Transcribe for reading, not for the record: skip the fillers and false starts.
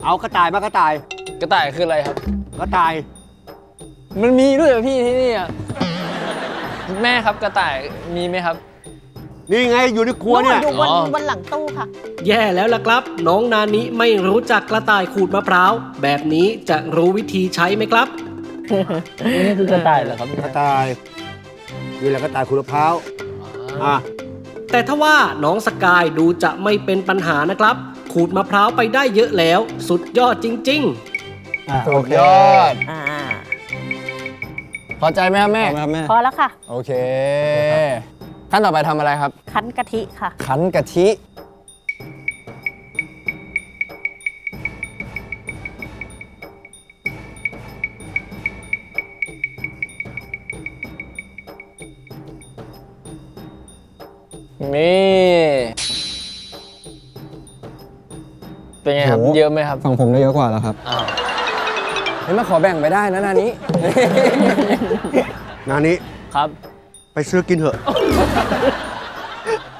เอากระต่ายมากระต่ายกระต่ายคืออะไรครับกระต่ายมันมีด้วยเหรอพี่ที่นี่อ่ะแม่ครับกระต่ายมีไหมครับนี่ไงอยู่ในครัวเนี่ยอยู่บนอ๋อบนหลังตู้ค่ะแย่แล้วล่ะครับ น้องนานิไม่รู้จักกระต่ายขูดมะพร้าว แบบนี้จะรู้วิธีใช้ไหมครับนี่คือกระต่ายเหรอครับกระต่ายนี่แหละกระต่ายขูดมะพร้าวอ่ะแต่ถ้าว่าน้องสกายดูจะไม่เป็นปัญหานะครับ ขูดมะพร้าวไปได้เยอะแล้ว สุดยอดจริง ๆสุดยอดอ่าพอใจไหมครับแม่พอแล้วค่ะโอเค ขั้นต่อไปทำอะไรครับคั้นกะทิค่ะคั้นกะทิ นี่ เป็นไงครับโหเยอะไหมครับฝั่งผมได้เยอะกว่าแล้วครับอ้าวเฮ้ยมาขอแบ่งไปได้นะนานี้นานี้ครับไปซื้อกินเถอะ